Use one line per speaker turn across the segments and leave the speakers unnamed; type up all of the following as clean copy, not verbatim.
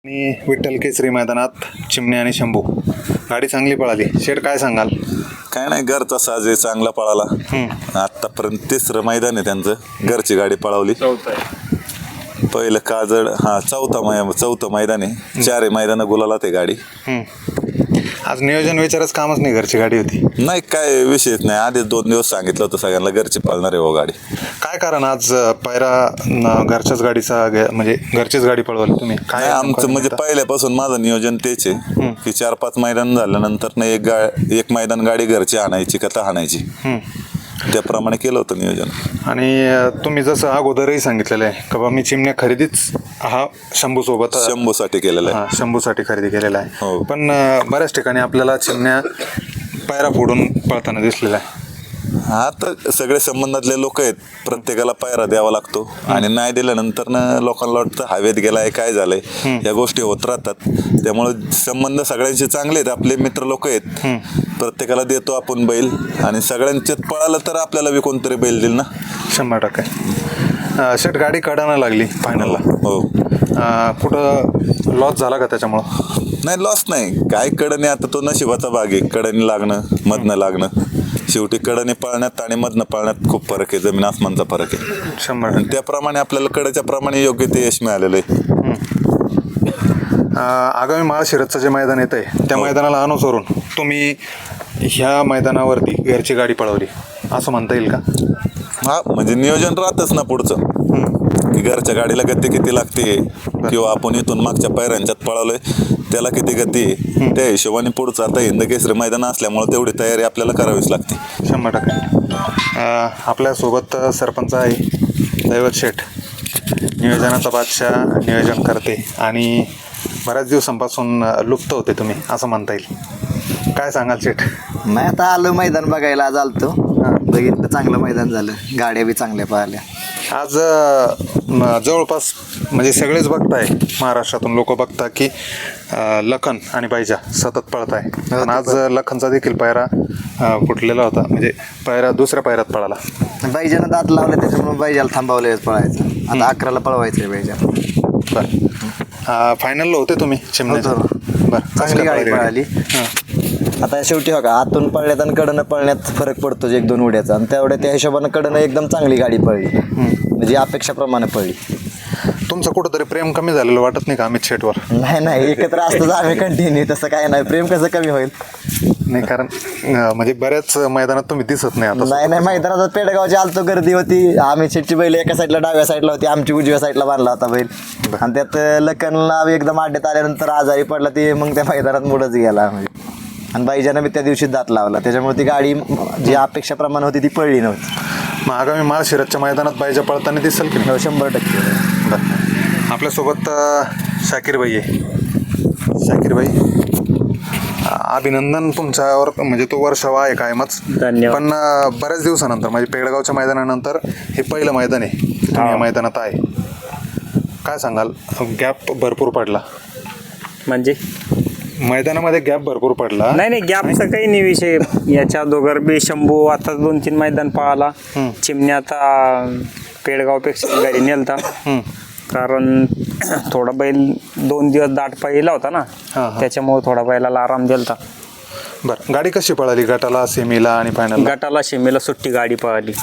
आणि विठ्ठल केसरी मैदानात चिमणे आणि शंभू गाडी चांगली पळाली. शेठ काय सांगाल?
काय नाही, घरचा साज आहे, चांगला पळाला. आतापर्यंत तिसरं मैदान आहे त्यांचं, घरची गाडी पळवली. पहिलं काजळ, चौथं मैदान आहे. 4 मैदान गुलाला ते गाडी.
आज नियोजन विचारच कामच नाही, घरची गाडी होती.
नाही, काय विषयच नाही. आधीच 2 दिवस सांगितलं होतं सगळ्यांना घरची पळणार आहे हो गाडी.
काय कारण आज पायरा घरच्याच गाडीचा म्हणजे घरचीच गाडी पळवली तुम्ही? काय
आमचं म्हणजे पहिल्यापासून माझं नियोजन तेच आहे की 4-5 मैदान झाल्यानंतर ना एक मैदान गाडी घरची आणायची का आणायची, त्याप्रमाणे केलं होतं नियोजन.
आणि तुम्ही जसं अगोदरही सांगितलेलं आहे का बा मी चिमण्या खरेदीच
शंभूसाठी केलेलं आहे.
शंभूसाठी खरेदी केलेला आहे.
हो.
पण बऱ्याच ठिकाणी आपल्याला चिमण्या पायरा फोडून पळताना दिसलेला आहे.
आता सगळे संबंधातले लोक आहेत, प्रत्येकाला पायरा द्यावा लागतो आणि नाही दिल्यानंतर ना लोकांना वाटतं हवेत गेलाय, काय झालंय, या गोष्टी होत राहतात. त्यामुळे संबंध सगळ्यांचे चांगले आहेत, आपले मित्र लोक आहेत. प्रत्येकाला देतो आपण बैल आणि सगळ्यांच्यात पळालं तर आपल्याला बी कोणतरी बैल देईल ना.
100%. शेट गाडी काढायला लागली फायनलला.
हो.
कुठं लॉस झाला का त्याच्यामुळं?
नाही, लॉस नाही, काय कडने. आता तो नशिबाचा भाग आहे, कडने लागणं मधनं लागणं. शेवटी कडने पळण्यात आणि मधनं पळण्यात खूप फरक आहे, जमीन आसमानचा फरक आहे.
100%.
आणि त्याप्रमाणे आपल्याला कडेच्या प्रमाणे योग्य ते यश मिळालेलं आहे.
आगामी महाशिरतचं जे मैदान येत आहे त्या मैदानाला अनुसरून तुम्ही ह्या मैदानावरती घरची गाडी पळवली असं म्हणता येईल का?
हा, म्हणजे नियोजन राहतच ना पुढचं, की घरच्या गाडीला गती किती लागते किंवा आपण इथून मागच्या पायऱ्यांच्यात पळवलंय त्याला किती गती आहे, त्या हिशोबाने पुढचं आता हिंद केसरी मैदान असल्यामुळे तेवढी तयारी आपल्याला करावीच लागते.
100%. आपल्यासोबत सरपंच आहे दैवत शेठ, नियोजनाचा बादशाह, नियोजन करते आणि बऱ्याच दिवसांपासून लुप्त होते तुम्ही असं म्हणता येईल. काय सांगाल शेठ?
नाही, आता आलं मैदान बघायला, आज आलतो, बघितलं, चांगलं मैदान झालं, गाड्या बी चांगल्या पळाल्या.
आज जवळपास म्हणजे सगळेच बघताय, महाराष्ट्रातून लोक बघता की लखन आणि बायजा सतत पळत आहे. पण आज लखनचा देखील पायरा फुटलेला होता, म्हणजे पायरा दुसऱ्या पायऱ्यात पळाला.
बाईजानं दात लावले त्याच्यामुळे बाईजाला थांबवलं पळायचं. आता 11ला पळवायचं आहे बाईजा.
बरं, फायनलला होते तुम्ही चिमण्याचं? बरं,
चांगली गाडी पळाली. आता शेवटी बघा, आतून पळण्यात आणि कडनं पळण्यात फरक पडतो 1-2 उड्याचा, आणि त्या हिशोबानं कडनं एकदम चांगली गाडी पळली, म्हणजे अपेक्षाप्रमाणे पळली.
तुमचं कुठंतरी प्रेम कमी झालेलं वाटत नाही का अमित शेठवर?
नाही, एकत्र असतोच आम्ही कंटिन्यू, तसं काय नाही, प्रेम कसं कमी होईल?
नाही, कारण म्हणजे बऱ्याच मैदानात तुम्ही दिसत नाही आता.
नाही, मैदानात पेडगावची आलतो, गर्दी होती. आम्ही शेटची बैल एका साईडला डाव्या साईडला होती, आमची उजव्या साईडला बांधला होता बैल. आणि त्यात लखनला एकदम अड्ड्यात आल्यानंतर आजारी पडला, ती मग त्या मैदानात मुडच गेला. आणि बाईजानं बी त्या दिवशी दात लावला, त्याच्यामुळे ती गाडी जी अपेक्षाप्रमाणे होती ती पळली नव्हती.
मग आगामी महाशिरतच्या मैदानात बायजा पळताना दिसेल की नाही?
100%.
बरं, आपल्यासोबत शाकीरबाई आहे. शाकीरबाई, अभिनंदन तुमच्यावर, म्हणजे तो वर्षावा आहे कायमच.
धन्यवाद.
पण बऱ्याच दिवसानंतर म्हणजे पेडगावच्या मैदानानंतर हे पहिलं मैदान आहे तुम्ही या मैदानात आहे. काय सांगाल? गॅप भरपूर पडला,
म्हणजे
मैदानामध्ये गॅप भरपूर पडला.
नाही, गॅपचा काही नाही विषय. याच्या दोघर बी शंभू आता 2-3 मैदान पळाला. चिमण्या आता पेडगावपेक्षा गाडी नेलता, कारण थोडा बैल 2 दिवस दाट पाहिला होता ना, त्याच्यामुळे थोडा बैलाला आराम दिलता.
बरं, गाडी कशी पळाली? गटाला, सेमीला आणि फायनल?
गटाला सेमीला सुट्टी गाडी पळाली.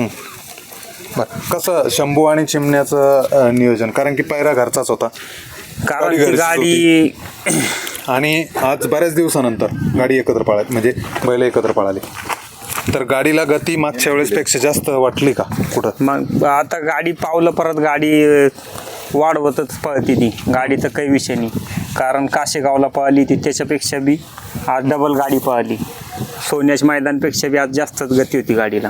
बरं, कसं शंभू आणि चिमण्याचं नियोजन? कारण की पायरा घरचाच होता,
कारण ती गाडी
आणि आज बऱ्याच दिवसानंतर गाडी एकत्र पळाली, म्हणजे बैल एकत्र पळाली, तर गाडीला गती मागच्या वेळेसपेक्षा जास्त वाटली का कुठं?
मग आता गाडी पावलं, परत गाडी वाढवतच पळती ती गाडीचा काही विषय नाही. कारण काशेगावला पळाली ती, त्याच्यापेक्षा बी आज डबल गाडी पळाली. सोन्याच मैदानपेक्षा बी आज जास्तच गती होती गाडीला.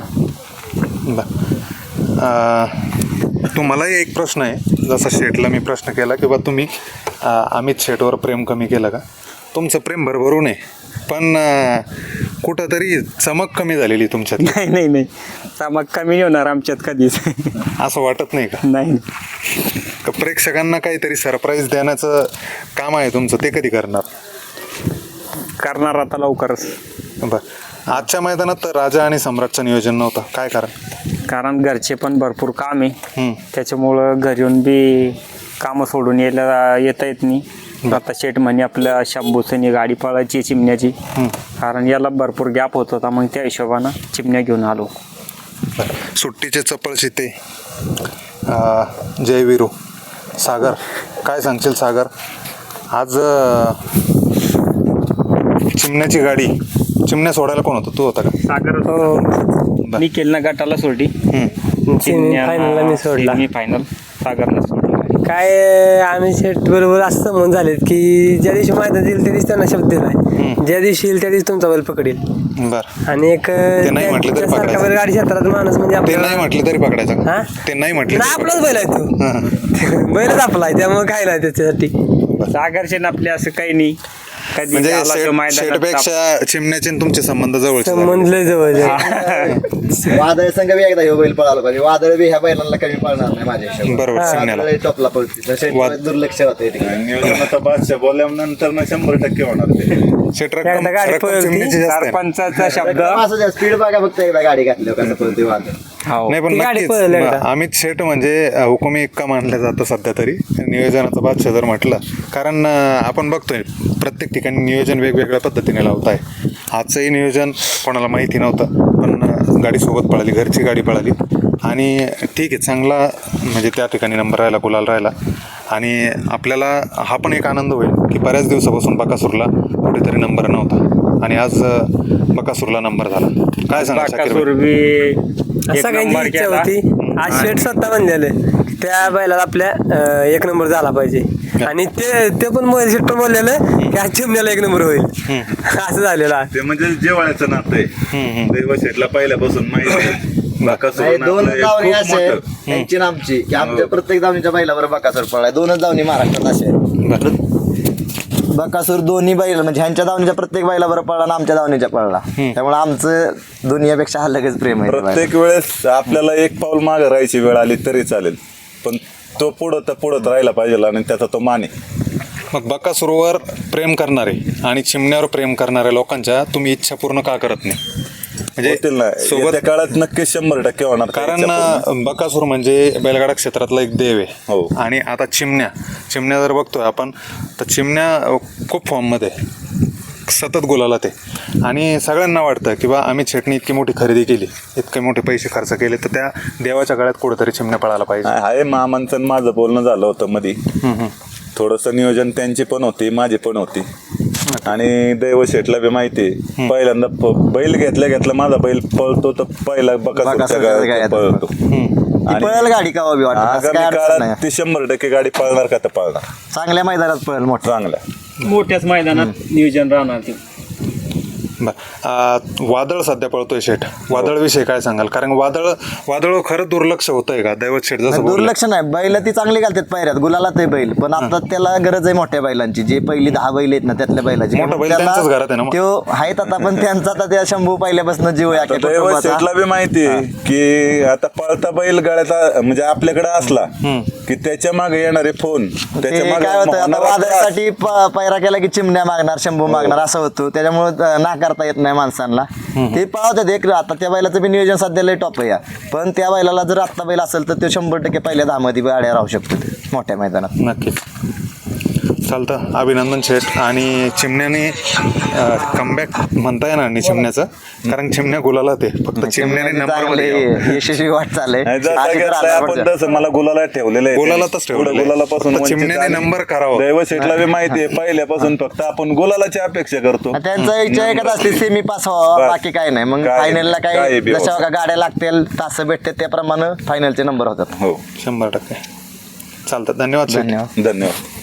तुम्हालाही एक प्रश्न आहे, जसा शेठला मी प्रश्न केला की बा तुम्ही अमित शेठवर प्रेम कमी केलं का? तुमचं प्रेम भरभरून आहे, पण कुठंतरी चमक कमी झालेली तुमच्यात.
नाही, चमक कमी नाही होणार आमच्यात कधीच.
असं वाटत नाही का?
नाही.
प्रेक्षकांना काहीतरी सरप्राईज देण्याचं काम आहे तुमचं, ते कधी करणार?
आता लवकरच.
बरं, आजच्या मैदानात राजा आणि सम्राटचं नियोजन नव्हतं, काय कारण?
कारण घरचे पण भरपूर काम आहे, त्याच्यामुळं घरी येऊन बी कामं सोडून येता येत नाही. आता शेट म्हणे आपल्या शंभूसनी गाडी पळायची चिमण्याची, कारण याला भरपूर गॅप होत होता. मग त्या हिशोबानं चिमण्या घेऊन आलो.
सुट्टीचे चपळ शिते जयवीरू सागर, काय सांगशील सागर? आज चिमण्याची गाडी, चिमण्या सोडायला कोण होतं, तू होता का?
सागर मी केलं ना गटाला सोडी,
फायनलला मी सोडला.
मी फायनल सागरला सोडला.
काय आम्ही शेट बरोबर असं म्हणून झालेत की ज्या दिवशी मैदान देईल त्या दिवशी त्यांना शब्द दिलाय, ज्या दिवशी येईल त्या दिवशी तुमचा बैल पकडेल.
बर,
आणि एक
नाही म्हटलं तरी
सारखा
पकडायचं.
बैल गाडी क्षेत्रात माणूस म्हणजे
ते
आपल्याला-
नाही म्हटलं तरी पकडायचं का?
हा?
ते नाही म्हटलं
नाही,
तरी
आपलाच बैल आहे तो. बैलच आपला आहे, त्यामुळे काय नाही त्याच्यासाठी.
सागरचे ना आपले असं काही नाही. कधी
म्हणजे
आला तो मैदानात
शेटपेक्षा चिमण्याचे आणि तुमचे संबंध जवळचे झाले.
संबंध लय जवळ
वादळ संघ बी एकदा ह्यो बैल पळाला पाहिजे. वादळ बी ह्या बैलांना कमी पळणार नाही माझ्या हिशोबाने.
बरोबर, चिमण्याला.
वादळ टॉपला पळते तसे
वाद-
दुर्लक्ष होते
नियोजनाचा बादशाह बोलल्यानंतर ना 100% होणार ते.
शेट
एकदा
रक्कम
गाडी
रक्कम
पळवली.
चिमण्याची जास्त आहे ना?
सरपंचाचा शब्द
असं स्पीड बघा फक्त एकदा गाडी घातल्यावर कसं पळते वादळ.
हो.
नाही पण
ती गाडी
नक्कीच
पळवली एकदा.
अमित शेट म्हणजे हुकुमी इक्का मानलं जातं सध्या तरी नियोजनाचा बादशाह जर म्हटलं, कारण आपण बघतोय प्रत्येक ठिकाणी नियोजन वेगवेगळ्या पद्धतीने लावत आहे. आजचंही नियोजन कोणाला माहिती नव्हतं, पण गाडी सोबत पळाली, घरची गाडी पळाली आणि ठीक आहे, चांगला म्हणजे त्या ठिकाणी नंबर राहिला, गुलाल राहिला. आणि आपल्याला हा पण एक आनंद होईल की बऱ्याच दिवसापासून बकासूरला कुठेतरी नंबर नव्हता आणि आज बकासूरला नंबर झाला. काय सांगा शाकीर
बाकासूर
भाई?
बी एक
सगळ्यांची
नंबर
इच्छा
केला.
होती. आज शेट स्वतः म्हणलेले त्या बैलाला आपल्या एक नंबर झाला पाहिजे. आणि ते पण मोबाईल शेट पण बोललेलं की आज चिमण्याला एक नंबर होईल. असं झालेलं आहे.
ते म्हणजे जेवायचं नातं आहे. दैव शेटला पहिल्यापासून माहिती आहे. बाकासूर
नाही, दोन
नातं हे
दावणी
खूप
असे
मोठं.
त्यांची आणि आमची की आमच्या प्रत्येक दावणीच्या बैलावर बकासूर पळाय. दोनच दावणी महाराष्ट्रात असे आहेत. बकासूर दोन्ही बैल म्हणजे ह्यांच्या दावणीच्या प्रत्येक बैलावर पळला आणि आमच्या दावणीच्या पळला. त्यामुळे आमचं दुनियापेक्षा हा लगेच प्रेम आहे.
प्रत्येक वेळेस आपल्याला एक पाऊल मागे राहायची वेळ आली तरी चालेल, पण तो पुढं राहिला पाहिजे आणि त्याचा तो मान आहे.
मग बकासूरवर प्रेम करणारे आणि चिमण्यावर प्रेम करणाऱ्या लोकांच्या तुम्ही इच्छा पूर्ण का करत नाही?
होतील ना,
म्हणजे सोबत,
येत्या काळात नक्कीच 100% होणार.
कारण बकासूर म्हणजे बैलगाडा क्षेत्रातला एक देव आहे.
हो.
आणि आता चिमण्या जर बघतोय आपण तर चिमण्या खूप फॉर्ममध्ये आहे. सतत गुलाला ते, आणि सगळ्यांना वाटतं की बा अमित शेटने इतकी मोठी खरेदी केली, इतके मोठे पैसे खर्च केले, तर त्या देवाच्या गळ्यात कुठेतरी चिमण्या पळायला पाहिजे.
आहे मामांचं आणि माझं बोलणं झालं होतं मध्ये. थोडंसं नियोजन त्यांची पण होती, माझी पण होती. आणि दैव शेटला बी माहिती आहे. पहिल्यांदा बैल घेतल्या माझा बैल पळतो तर पहिला बकासूरच्या गाड्यात पळतो.
ती पळेल गाडी का बी वाटत असं
आगामी
काय अडचण
काळात
नाही.
ती 100% गाडी पळणार का तर पळणार
चांगल्या मैदानात पळेल मोठं.
चांगल्या.
मोठ्याच मैदानात नियोजन राहणार ते.
वादळ सध्या पळतोय शेठ, वादळविषयी काय सांगाल? कारण वादळ खरं दुर्लक्ष होतंय का दैवत शेठ जसं बोलले?
दुर्लक्ष नाही, बैल ती चांगली घालतात पायऱ्यात, गुलाला ते बैल, पण आता त्याला गरज आहे मोठ्या बैलांची. जे पहिली 10 बैल आहेत ना त्यातल्या बैलाची
मोठा बैल
त्याला-
त्यांच्याच घरात आहे ना मग?
त्यो आहेत आता, पण त्यांचा आता त्या शंभू पहिल्यापासून जीव आहे अख्ख्या
दैव
कुटुंबाचा.
शेटला बी माहिती आहे की आता पळता बैल गाड्याचा म्हणजे आपल्याकडे असला की त्याच्या मागे येणारे फोन,
ते
त्याच्या
काय होतं आता
होणारा त्रास.
वादळासाठी पायरा केला की चिमण्या मागणार, शंभू मागणार असं होतं. त्याच्यामुळे नाकारता येत नाही माणसांना. ते पळवतात एक. आता त्या बैलाचं बी नियोजन सध्या लय टॉप आहे या. पण त्या बैलाला जर आत्ता बैल असेल तर ते 100% पहिल्या 10 मध्ये गाड्या राहू शकतो ते मोठ्या मैदानात.
नक्कीच चालतं. अभिनंदन शेठ. आणि चिमण्याने कमबॅक म्हणता येणार नाही चिमण्याचं, कारण चिमण्या गुलाला ते फक्त चिमण्याने नंबरमध्ये यावं.
यशस्वी वाट चालले.
नाही, जसं घेतलंय आपण तसं मला गुलाला ठेवलेलं आहे.
गुलालातच ठेवलेलं आहे.
पुढं गुलालापासून
फक्त
वंचित
चिमण्याने
आहे.
नंबर करावा.
दैव शेटला बी माहिती आहे पहिल्यापासून, फक्त आपण गुलालाची अपेक्षा करतो.
त्यांचा इच्छा एकच असते सेमी पास व्हावा,
बस.
बाकी काय नाही. मग
काय-
फायनलला
काय
काय
बी
जशा
होतं.
का गाड्या लागतील, तास भेटतात त्याप्रमाणे फायनलचे नंबर होतात.
हो,
100% चालतं. धन्यवाद शेठ.
धन्यवाद.
धन्यवाद.